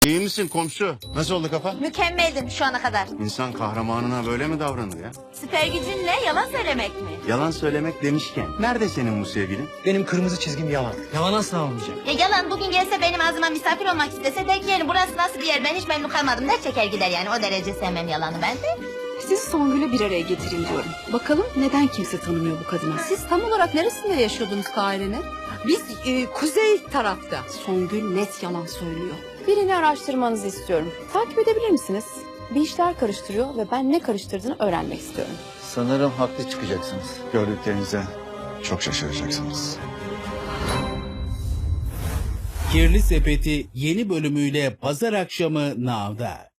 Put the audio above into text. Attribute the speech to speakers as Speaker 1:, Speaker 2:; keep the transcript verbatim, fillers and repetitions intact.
Speaker 1: İyi misin komşu? Nasıl oldu kafa?
Speaker 2: Mükemmeldim şu ana kadar.
Speaker 1: İnsan kahramanına böyle mi davranır ya?
Speaker 2: Süper gücün ne? Yalan söylemek mi?
Speaker 1: Yalan söylemek demişken. Nerede senin bu sevgilin?
Speaker 3: Benim kırmızı çizgim yalan. Yalan asla olmayacak.
Speaker 2: Ya yalan bugün gelse benim ağzıma misafir olmak istese der ki yani burası nasıl bir yer ben hiç memnun kalmadım der çeker gider yani o derece sevmem yalanı ben de.
Speaker 4: Sizi Songül'e bir araya getireyim diyorum. Bakalım neden kimse tanımıyor bu kadını?
Speaker 5: Siz tam olarak neresinde yaşıyordunuz Kahire'nin?
Speaker 4: Biz e, kuzey tarafta. Songül net yalan söylüyor.
Speaker 6: Birini araştırmanızı istiyorum. Takip edebilir misiniz? Bir işler karıştırıyor ve ben ne karıştırdığını öğrenmek istiyorum.
Speaker 7: Sanırım haklı çıkacaksınız.
Speaker 1: Gördüklerinize çok şaşıracaksınız.
Speaker 8: Kirli Sepeti yeni bölümüyle pazar akşamı Now'da.